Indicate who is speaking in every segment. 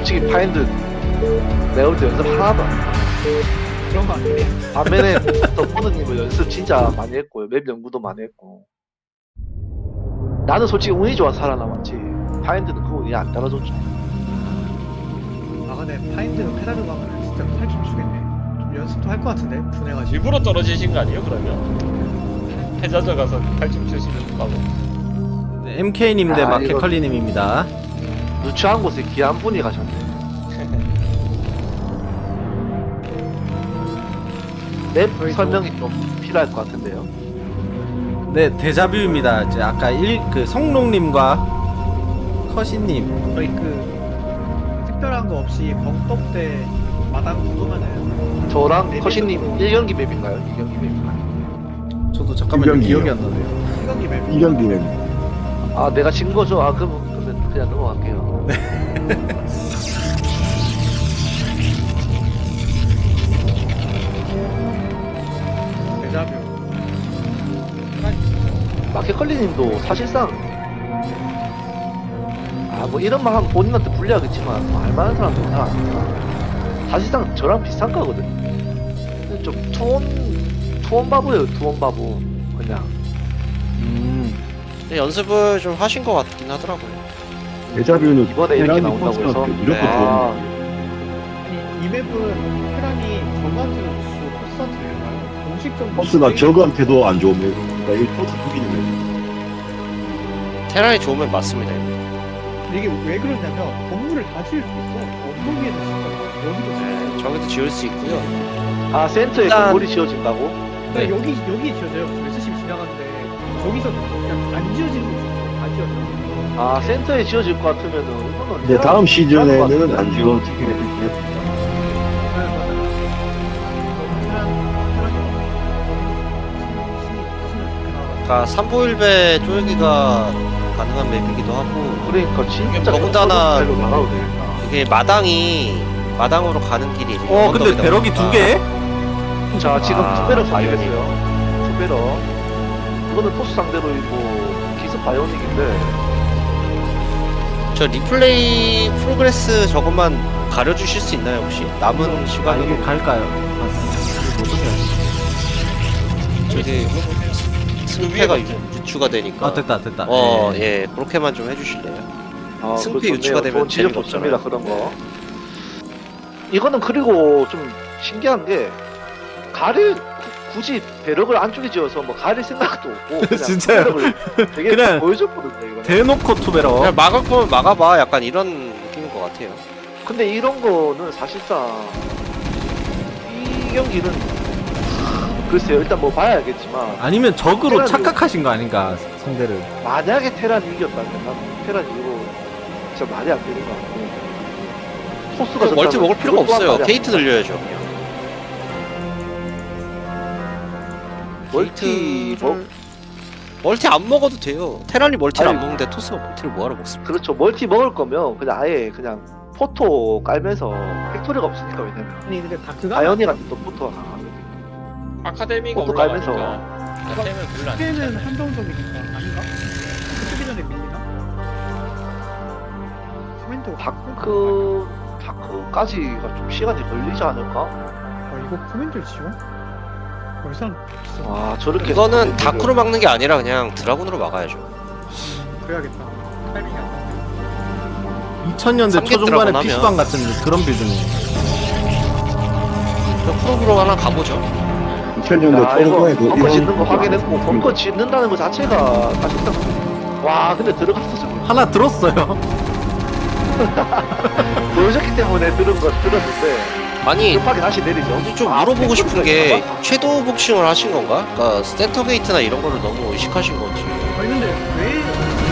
Speaker 1: 솔직히 파인드 내가 볼 때 연습 하나도 안 했다.
Speaker 2: 그런 거 아니에요?
Speaker 1: 반면에 덕분님은 연습 진짜 많이 했고요. 맵 연구도 많이 했고. 나는 솔직히 운이 좋아 살아남았지. 파인드는 그 운이 안 따라줬죠.
Speaker 2: 아 근데 파인드 페달로 가면 진짜 살좀 주겠네. 좀 연습도 할 것 같은데 분해가지고.
Speaker 3: 일부러 떨어지신 거 아니에요 그러면? 해저저 가서 팔좀 주시는 거고.
Speaker 4: 네, MK님 대
Speaker 1: 아,
Speaker 4: 마켓컬리님입니다.
Speaker 1: 누추한 곳에 귀한 분이 가셨네. 맵 설명이 좀 필요할 것 같은데요.
Speaker 4: 네, 데자뷰입니다. 이제 아까 그 성롱님과 커시님.
Speaker 2: 거의 그 특별한 거 없이 벙떡 때 마당 구도면은
Speaker 1: 저랑 커시님 1경기 맵인가요? 2경기 맵인가요?
Speaker 4: 저도 잠깐만요.
Speaker 5: 이경기요.
Speaker 4: 기억이 안 나네요.
Speaker 2: 생각이 맵.
Speaker 5: 이경기는
Speaker 1: 아 내가 진 거죠? 아 그러면 그냥 넘어갈게요.
Speaker 2: 데자뷰.
Speaker 1: 마켓컬리님도 사실상 뭐 이런 말 하면 본인한테 불리하겠지만 뭐 알만한 사람들은 다 아니까 사실상 저랑 비슷한 거거든. 근데 좀 투원 바보예요. 투원 바보 그냥.
Speaker 6: 근데 연습을 좀 하신 것 같긴 하더라고요.
Speaker 5: 데자뷰는
Speaker 1: 이번에 이렇게
Speaker 5: 테란이
Speaker 1: 나온다고 해서?
Speaker 5: 콘서트 무조건
Speaker 6: 네.
Speaker 5: 좋은
Speaker 2: 이 맵은 테란이 저한테는 주고 코스한테 내나요? 공식점
Speaker 5: 코스가 적한테도 안 좋은 맵. 그러니까 이 코스 죽이는
Speaker 6: 테란이 좋으면 맞습니다.
Speaker 2: 이게 왜 그러냐면 건물을 다 지을 수 있어. 엉덩이에도 진짜 여기도 지을 수
Speaker 6: 저기도 지을 수 있고요.
Speaker 1: 아 센터에
Speaker 6: 일단-
Speaker 1: 건물이 지어진다고?
Speaker 2: 있어.
Speaker 4: 네.
Speaker 2: 여기 지어져요. SCB 지나가는데 저기서 그냥 안 지어지는 거 있어. 다 지어져.
Speaker 1: 아 센터에 지어질 것 같으면은 이거는
Speaker 5: 근데 다음 시즌에는
Speaker 1: 같은데.
Speaker 5: 안 지워지게 될 것.
Speaker 2: 네, 맞아요.
Speaker 6: 그러니까 삼보일배 쪼여기가 가능한 맵이기도 하고
Speaker 1: 그러니까 진짜
Speaker 6: 더군다나
Speaker 1: 로 나가도 되겠다.
Speaker 6: 이게 마당으로 가는 길이 이제
Speaker 4: 근데
Speaker 6: 언덕이다
Speaker 4: 배럭이
Speaker 6: 보니까
Speaker 4: 2개?
Speaker 1: 자 지금
Speaker 6: 아,
Speaker 1: 투배럭
Speaker 6: 바이오닉.
Speaker 1: 발견했어요. 투배럭. 이거는 토스 상대로 이고 기습 바이오닉인데
Speaker 6: 저 리플레이 프로그레스 저것만 가려주실 수 있나요 혹시? 남은
Speaker 4: 아,
Speaker 6: 시간으로
Speaker 4: 이게 갈까요?
Speaker 6: 저기 승패가 유추가 되니까
Speaker 4: 아, 됐다. 네.
Speaker 6: 예 그렇게만 좀 해주실래요? 승패
Speaker 1: 그거
Speaker 6: 유추가
Speaker 1: 좋네요.
Speaker 6: 되면
Speaker 1: 좋은 지적
Speaker 6: 재미가
Speaker 1: 좋습니다.
Speaker 6: 없잖아요.
Speaker 1: 그런 거. 이거는 그리고 좀 신기한 게 가를 굳이 배럭을 안쪽에 지어서 뭐 가릴 생각도 없고 그냥
Speaker 4: 진짜요?
Speaker 1: 배럭을 되게
Speaker 4: 그냥
Speaker 1: 보여줬거든요. 이거는.
Speaker 4: 대놓고 투베럭.
Speaker 6: 그냥 막을 거면 막아봐 약간 이런 느낌인 것 같아요.
Speaker 1: 근데 이런 거는 사실상 이 경기는 글쎄요. 일단 뭐 봐야 알겠지만
Speaker 4: 아니면 적으로
Speaker 1: 테란이-
Speaker 4: 착각하신 거 아닌가, 상대를.
Speaker 1: 만약에 테란이 이겼다면 난 테란 이거 진짜 말이 안 되는 거 같고 토스가
Speaker 6: 멀티
Speaker 1: 졌다면
Speaker 6: 먹을 필요가
Speaker 1: 그것 또한
Speaker 6: 없어요.
Speaker 1: 말이 안
Speaker 6: 게이트
Speaker 1: 된다.
Speaker 6: 늘려야죠.
Speaker 1: 멀티 뭐
Speaker 6: 멀티 안 먹어도 돼요. 테란이 멀티를
Speaker 1: 아니,
Speaker 6: 안 먹는데 토스가 멀티를 뭐하러 먹습니까?
Speaker 1: 그렇죠. 멀티 먹을 거면 그냥 아예 그냥 포토 깔면서 팩토리가 없으니까 왜냐면
Speaker 2: 아니 근데 다크가
Speaker 1: 아이오니 같은 또 포토가 강하거든.
Speaker 3: 아카데미가
Speaker 1: 포토
Speaker 3: 올라가니까
Speaker 1: 깔면서.
Speaker 3: 템을 별로 안
Speaker 2: 그때는
Speaker 3: 쓰잖아요.
Speaker 2: 한정적이니까 아닌가? 그때 전에 밀리나? 코멘트
Speaker 1: 다크까지가 좀 시간이 걸리지 않을까?
Speaker 2: 이거 코멘트 지워? 벌써 진짜
Speaker 1: 와 저렇게
Speaker 6: 이거는 다크로 막는 게 아니라 그냥 드라군으로 막아야죠.
Speaker 2: 그래야겠다. 타이밍이 안 맞네.
Speaker 4: 2000년대
Speaker 6: 삼계
Speaker 4: 초중반의
Speaker 6: 드라곤
Speaker 4: PC방 같은 그런 빌드네요.
Speaker 6: 그럼 프로브로 하나 가보죠.
Speaker 5: 2000년대
Speaker 1: 야, 이거
Speaker 5: 초중반에 그
Speaker 1: 벙커 짓는 거
Speaker 5: 이런
Speaker 1: 확인했고 벙커 짓는다는 거 자체가 사실상 와 근데 들어갔어 지금
Speaker 4: 하나 들었어요.
Speaker 1: 보여줬기 때문에 들었는데
Speaker 6: 아니
Speaker 1: 급하게 다시 내리죠.
Speaker 6: 이제 좀
Speaker 1: 아,
Speaker 6: 물어보고 싶은 게
Speaker 1: 팩토리가
Speaker 6: 섀도우 복싱을 하신 건가? 그러니까 센터 게이트나 이런 거를 너무 의식하신 건지.
Speaker 2: 아니 근데 왜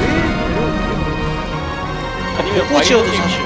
Speaker 3: 아니면
Speaker 6: 포지어도
Speaker 3: 바이오닉
Speaker 6: 사실.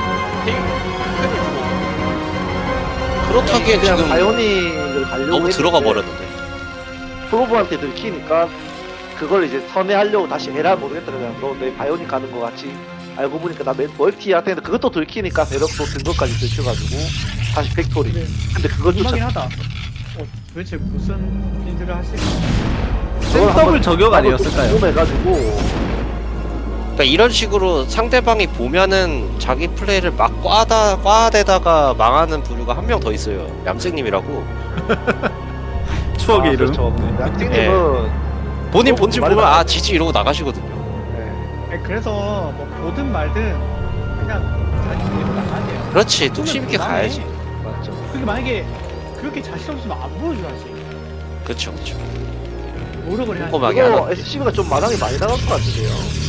Speaker 6: 그렇다기엔
Speaker 1: 그냥
Speaker 6: 지금
Speaker 1: 바이오닉을 가려고
Speaker 6: 너무 들어가
Speaker 1: 했는데
Speaker 6: 버렸는데.
Speaker 1: 프로브한테 들키니까 그걸 이제 선회하려고 다시 해라 모르겠다. 그냥 너 내 바이오닉 가는 거 같이 알고 보니까 나 멀티야 했는데 그것도 들키니까 배럭도 든 것까지 들켜가지고 다시 팩토리.
Speaker 2: 네.
Speaker 1: 근데 그건
Speaker 2: 궁금하긴
Speaker 1: 쫓아.
Speaker 2: 하다. 도대체 무슨 빌드를 하실까?
Speaker 4: 센더블 저격 아니었을까요?
Speaker 1: 궁금해가지고
Speaker 6: 그러니까 이런 식으로 상대방이 보면은 자기 플레이를 막 꽈대다가 망하는 부류가 한 명 더 있어요. 얌생님이라고.
Speaker 4: 추억의 이름.
Speaker 1: 그렇죠.
Speaker 4: 네.
Speaker 1: 양띵님은
Speaker 6: 본인 본진
Speaker 1: 말이
Speaker 6: 보면
Speaker 1: 많아요.
Speaker 6: 아 지지 이러고 나가시거든요.
Speaker 2: 네, 그래서 뭐 보든 말든 그냥 자기 그대로 나가야 돼요.
Speaker 6: 그렇지 뚝심 있게
Speaker 2: 그다음에
Speaker 6: 가야지.
Speaker 1: 맞죠.
Speaker 2: 그게 만약에 그렇게 자신 없으면 안 보여줘야지.
Speaker 6: 그렇죠 그렇죠.
Speaker 2: 노력을 해야지.
Speaker 6: 꼼꼼하게 하나.
Speaker 1: 이거 SCB가 좀 마당이 많이 나갈 것 같은데요.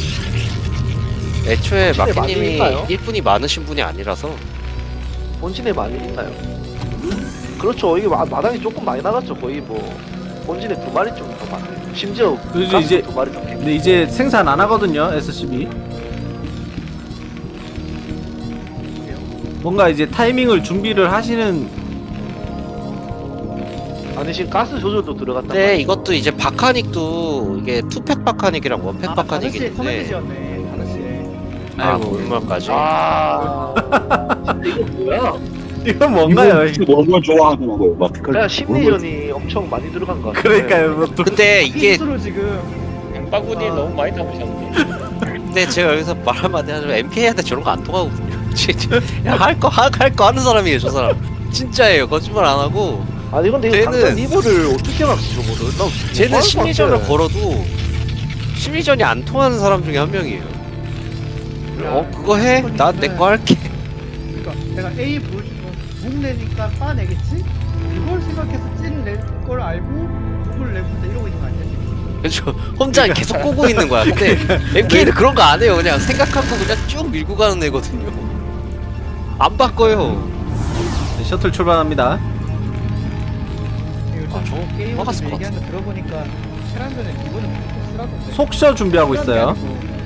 Speaker 6: 애초에
Speaker 1: 본진에 많이
Speaker 6: 마키님이
Speaker 1: 있나요?
Speaker 6: 1분이 많으신 분이 아니라서
Speaker 1: 본진에 많이 있나요? 그렇죠. 이게 마당이 조금 많이 나갔죠. 거의 뭐 본진에 2마리 좀 더 많아요. 심지어
Speaker 4: 그래서
Speaker 1: 가스
Speaker 4: 이제-
Speaker 1: 2마리 좀
Speaker 4: 근데 이제 생산 안 하거든요, SCB. 뭔가 이제 타이밍을 준비를 하시는.
Speaker 1: 아니 지금 가스 조절도 들어갔단
Speaker 6: 근데
Speaker 1: 말이에요.
Speaker 6: 이것도 이제 바카닉도 이게 투팩 바카닉이랑 원팩 바카닉이
Speaker 2: 5시에
Speaker 6: 있는데
Speaker 2: 커맨드지였네. 5시에.
Speaker 6: 아
Speaker 4: 아이고.
Speaker 6: 골물까지
Speaker 1: 아 진짜 이거 뭐야?
Speaker 4: 이건 뭔가요?
Speaker 5: 너무 걸 좋아하더라고요. 막
Speaker 1: 그냥 심리전이 엄청 많이 들어간 것 같아요.
Speaker 4: 그러니까요. 뭐 또-
Speaker 6: 근데 이게
Speaker 2: 스스로 지금
Speaker 3: 엠바구니 너무 많이 담으셨는데.
Speaker 6: 근데 제가 여기서 말 한마디 하자면 MK한테 저런 거 안 통하거든요. 진짜 할거 하는 사람이에요 저 사람. 진짜예요 거짓말 안 하고.
Speaker 1: 아니 근데 이거
Speaker 6: 쟤는-
Speaker 1: 당장 리버를 어떻게 막지 저거를? 나
Speaker 6: 쟤는
Speaker 1: 뭐
Speaker 6: 심리전을
Speaker 1: 할것 같아.
Speaker 6: 걸어도 심리전이 안 통하는 사람 중에 한 명이에요. 그거 해? 난 내 거 할게.
Speaker 2: 그러니까 내가 A 보여주면 묵 내니까 빠 내겠지? 이걸 생각해서 찔낼 알고 묵을 내본다 이러고 있는 거 아니야 지금?
Speaker 6: 그렇죠. 혼자 계속 꼬고 있는 거야. 근데 MK는 그런 거 안 해요. 그냥 생각하고 그냥 쭉 밀고 가는 애거든요. 안 바꿔요.
Speaker 4: 네, 셔틀 출발합니다.
Speaker 2: 요즘
Speaker 6: 저거
Speaker 2: 게임에서
Speaker 6: 막았을 것
Speaker 2: 얘기하는 거 들어보니까 테란전에 이거는 무조건 쓰라던데.
Speaker 4: 속셔 준비하고 있어요.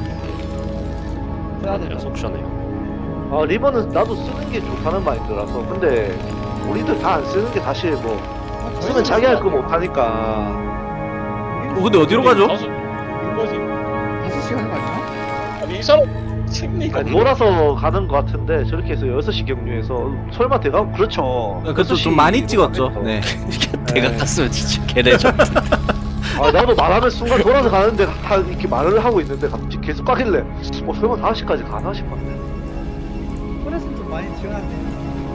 Speaker 2: 써야 된다.
Speaker 6: 속셔네요.
Speaker 1: 아 리버는 나도 쓰는 게 좋다는 마인드라서. 근데 우리들 다 안 쓰는 게 사실 뭐 쓰면 자기 할 거 못하니까.
Speaker 4: 근데 어디로 가죠?
Speaker 3: 이거지.
Speaker 2: 5시간 하는 거 아니야?
Speaker 3: 아니 이 사람 심리가
Speaker 1: 아니, 몰아서 가는 것 같은데 저렇게 해서 6시 경유해서 설마 대가 그렇죠.
Speaker 4: 그것도
Speaker 1: 6시
Speaker 4: 좀 많이 찍었죠.
Speaker 1: 하면서.
Speaker 4: 네.
Speaker 6: 내가 갔으면 진짜 개래죠.
Speaker 1: 아 나도 말하는 순간 돌아서 가는데 다 이렇게 말을 하고 있는데 갑자기 계속 가길래 설마 5시까지 가나 싶었네.
Speaker 2: 프레스는 좀 많이 지원한데.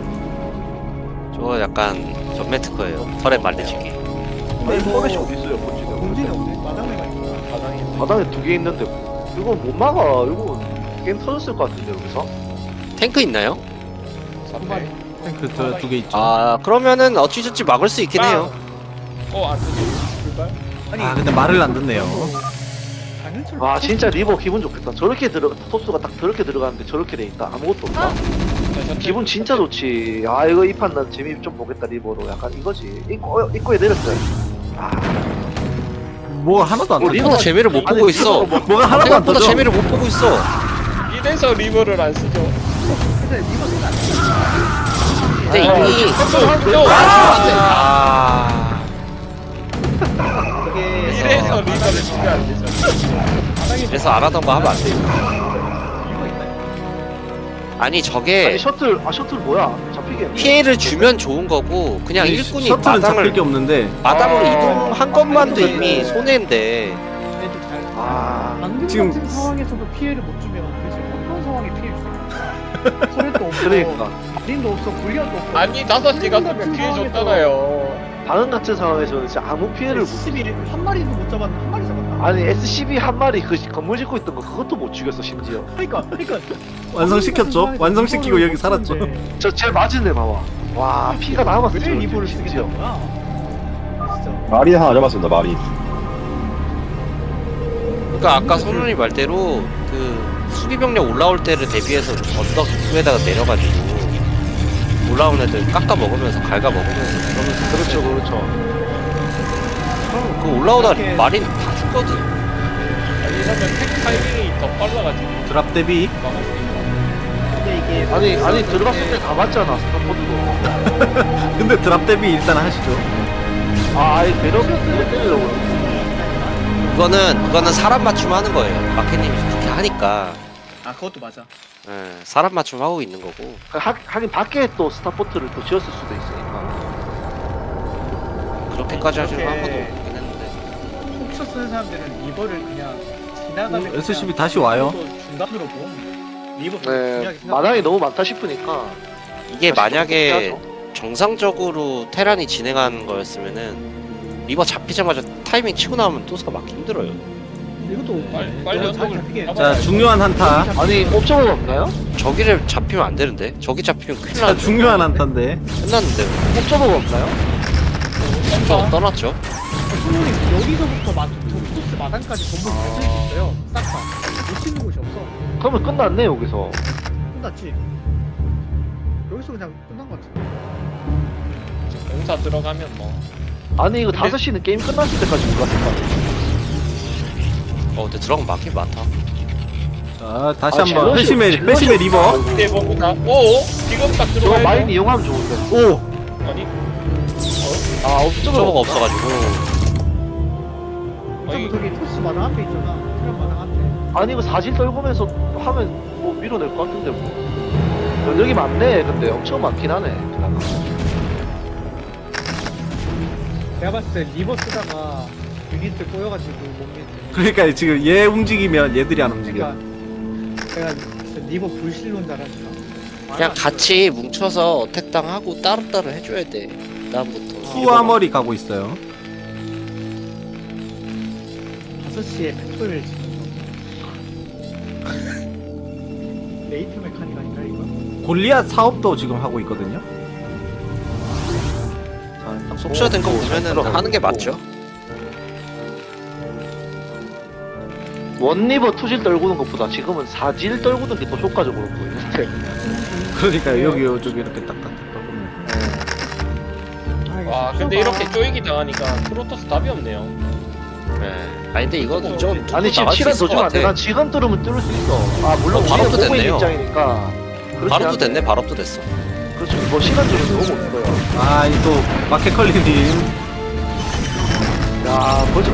Speaker 6: 저거 약간 전매 특허예요. 털에 말리치기.
Speaker 1: 아니
Speaker 2: 뭐-
Speaker 1: 포맷이 어디 있어요 본진에.
Speaker 2: 공진이 없네. 마당에 가 있구나. 마당에.
Speaker 1: 바닥에 2개 있는데 이거 못 막아. 이거 게임 터졌을 것 같은데 여기서.
Speaker 6: 탱크 있나요?
Speaker 3: 선발.
Speaker 4: 탱크 두 개 있죠.
Speaker 6: 아 그러면은 어찌저찌 막을 수 있긴 해요.
Speaker 3: 안 되지. 출발.
Speaker 4: 아 근데 말을 안 듣네요.
Speaker 2: 장윤철.
Speaker 1: 와 진짜 리버 기분 좋겠다. 저렇게 토스가 딱 저렇게 들어가는데 저렇게 돼 있다. 아무것도 없다. 기분 진짜 좋지. 아 이거 이 판 난 재미 좀 보겠다 리버로. 약간 이거지. 입구에 내렸어요. 아
Speaker 4: 뭐가 하나도 안
Speaker 1: 뭐
Speaker 4: 터져.
Speaker 6: 생각보다 재미를 못 보고 있어.
Speaker 4: 뭐가 하나도 안
Speaker 6: 생각보다
Speaker 4: 터져.
Speaker 6: 재미를 못 보고 있어.
Speaker 3: 이래서 리버를 안 쓰죠.
Speaker 2: 근데 이거 생각 안
Speaker 6: 근데 이미 아
Speaker 2: 이게
Speaker 3: 이래서 리버를 쓰면 안 되죠.
Speaker 6: 그래서 안 하던 거 하면 안 돼요.
Speaker 2: 이거 있나요?
Speaker 6: 아니
Speaker 1: 아니
Speaker 6: 저게
Speaker 1: 셔틀 뭐야? 잡히겠네.
Speaker 6: 피해를 주면 좋은 거고 그냥 일꾼이
Speaker 4: 셔틀은 잡힐 게
Speaker 6: 마당을
Speaker 4: 없는데.
Speaker 6: 마당으로
Speaker 1: 아.
Speaker 6: 이동한 것만도 이미 손해인데
Speaker 2: 얘도 잘.
Speaker 1: 아
Speaker 2: 방금
Speaker 4: 지금-
Speaker 2: 같은 상황에서도 피해를 못 주면 도대체 어떤 상황에 피해를 줄까? 소렛도 없고
Speaker 1: 그러니까
Speaker 2: 마린도 없어 불리언도 없고
Speaker 3: 아니 5시 갔으면 피해 줬잖아요.
Speaker 1: 방금 같은 상황에서는 진짜 아무 피해를 못.
Speaker 2: SCB 한 마리도 못 잡았나? 한 마리 잡았나?
Speaker 1: 아니 SCB 한 마리 그 건물 짓고 있던 거 그것도 못 죽였어 심지어.
Speaker 2: 그러니까
Speaker 4: 완성시켰죠. 완성시키고 여기 살았죠.
Speaker 1: 저 제일 맞은 애 봐봐. 와 피가 남았어.
Speaker 2: 왜
Speaker 1: 저렇게,
Speaker 2: 리버를
Speaker 1: 심지어.
Speaker 2: 쓰겠다는 거야? 진짜
Speaker 5: 마리 하나 잡았습니다. 마리.
Speaker 6: 그러니까 아까 손훈이 말대로 그 수비병력 올라올 때를 대비해서 언덕 입구에다가 내려가지고 올라온 애들 깎아 먹으면서 갈가 먹으면서 그러면서
Speaker 1: 그렇죠 그렇죠.
Speaker 6: 그럼 그 올라오다
Speaker 2: 이렇게-
Speaker 6: 마린 다 죽거든.
Speaker 3: 아니 이러면 탱 타이밍이 더 빨라가지고
Speaker 4: 드랍 대비.
Speaker 3: 막을 수 있다.
Speaker 2: 근데 이게
Speaker 1: 아니 들어갔을 때 다 맞잖아 스타포드도.
Speaker 4: 근데 드랍 대비 일단 하시죠.
Speaker 1: 아 아예 배럭 때리려고.
Speaker 6: 그거는 사람 맞춤 하는 거예요. 마켓님이 그렇게 하니까
Speaker 2: 아 그것도 맞아.
Speaker 6: 예, 사람 맞춤 하고 있는 거고.
Speaker 1: 하긴 밖에 또 스타포트를 또 지었을 수도 있으니까.
Speaker 6: 그렇게까지 하시는 건 한 번도
Speaker 2: 그렇게-
Speaker 6: 없긴 했는데.
Speaker 2: 톡쳐 쓰는 사람들은 이거를 그냥 지나가면
Speaker 4: SCB 다시 와요.
Speaker 2: 중간으로 봄. 리버
Speaker 1: 네, 마당이 너무 많다 싶으니까
Speaker 6: 이게
Speaker 1: 다시
Speaker 6: 만약에
Speaker 1: 좀 해야죠.
Speaker 6: 정상적으로 테란이 진행하는 거였으면은 리버 잡히자마자 타이밍 치고 나오면 또사 막기 힘들어요.
Speaker 2: 이것도
Speaker 3: 빨리
Speaker 2: 잘
Speaker 3: 언덕을
Speaker 2: 잡히게.
Speaker 3: 잡아야
Speaker 4: 자, 중요한 한타.
Speaker 1: 아니 옵저버가 없나요?
Speaker 6: 저기를 잡히면 안 되는데 저기 잡히면 큰일
Speaker 4: 자,
Speaker 6: 나는데
Speaker 4: 중요한 한타인데.
Speaker 6: 끝났는데
Speaker 1: 옵저버가 없나요?
Speaker 6: 저 떠났죠.
Speaker 2: 수능이 여기서부터 코스 마당까지 전부 다 쓸 수 있어요. 싹 다. 못 치는 곳이 없어.
Speaker 1: 그러면 끝났네 여기서.
Speaker 2: 끝났지. 여기서 그냥 끝난 것 같아.
Speaker 3: 공사 들어가면 뭐
Speaker 1: 아니 이거
Speaker 3: 근데-
Speaker 1: 5시는 게임 끝났을 때까지 올랐을 거 아니에요.
Speaker 6: 근데 드럼 막힌 많다.
Speaker 4: 자, 다시
Speaker 1: 아,
Speaker 4: 한번.
Speaker 1: 젤러시-
Speaker 4: 회심의
Speaker 1: 젤러시
Speaker 4: 리버.
Speaker 1: 없다.
Speaker 3: 근데 뭔가 오 지금 딱
Speaker 1: 저거
Speaker 3: 들어가야
Speaker 1: 마인 이용하면 좋은데.
Speaker 4: 오!
Speaker 3: 아니
Speaker 1: 아 옵저버가
Speaker 6: 저거가
Speaker 1: 없다.
Speaker 6: 없어가지고
Speaker 3: 아니
Speaker 2: 저기 토스 마당 앞에 있잖아. 트럼 마당 앞에.
Speaker 1: 아니 이거 사실 떨구면서 하면 뭐 밀어낼 것 같은데 뭐. 면역이 많네. 근데 엄청 많긴 하네.
Speaker 2: 내가 봤을 때 리버 쓰다가 유닛들 꼬여가지고 못 믿지.
Speaker 4: 그러니까 지금 얘 움직이면 얘들이 안 움직여.
Speaker 2: 그러니까 내가 진짜 리버 불신론자라니까.
Speaker 6: 그냥 같이 뭉쳐서 어택 당하고 따로따로 해줘야 돼. 다음부터.
Speaker 4: 수아머리 가고 있어요.
Speaker 2: 5시에 팩토리를 지는 거. 레이트 메카닉 아닌가 이거?
Speaker 4: 골리앗 사업도 지금 하고 있거든요.
Speaker 6: 속셔된 거 보면은 하는 게 맞죠.
Speaker 1: 원리버 투질 떨구는 것보다 지금은 사질 떨구는 게 더 효과적으로 보이는데.
Speaker 4: 그러니까 여기 요쪽 이렇게 딱딱딱.
Speaker 3: 와 근데 이렇게 쪼이기 당하니까 프로토스 답이 없네요.
Speaker 6: 네. 아니 근데 이건 좀
Speaker 1: 아니 지금
Speaker 6: 나갈 수
Speaker 1: 시간
Speaker 6: 있을
Speaker 1: 더
Speaker 6: 것
Speaker 1: 주면 안 돼.
Speaker 6: 같아.
Speaker 1: 난 지금 뚫으면 뚫을 수 있어. 아 물론
Speaker 6: 바로
Speaker 1: 우리는
Speaker 6: 또
Speaker 1: 보고 있는
Speaker 6: 됐네요.
Speaker 1: 입장이니까. 그렇긴
Speaker 6: 발업도
Speaker 1: 한데.
Speaker 6: 됐네. 발업도 됐어.
Speaker 1: 그렇죠. 뭐 시간 주면 너무 못 들어요.
Speaker 4: 아, 이 또 마켓컬리님.
Speaker 1: 야 벌써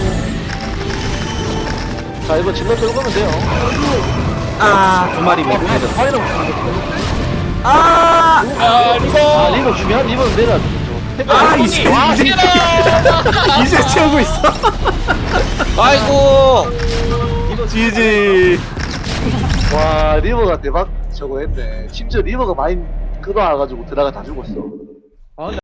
Speaker 1: 자 이거 질러 떨구면 돼요.
Speaker 4: 아, 두 마리 미드.
Speaker 1: 파이널
Speaker 4: 아!
Speaker 3: 아 리버
Speaker 1: 아 리버 중요한 리버는 내려야죠.
Speaker 4: 아, 이제 이제 채우고 있어.
Speaker 6: 아이고.
Speaker 4: 지지.
Speaker 1: 와 리버가 대박 저거 했네. 심지어 리버가 많이 끌어와가지고 드라가 다 죽었어.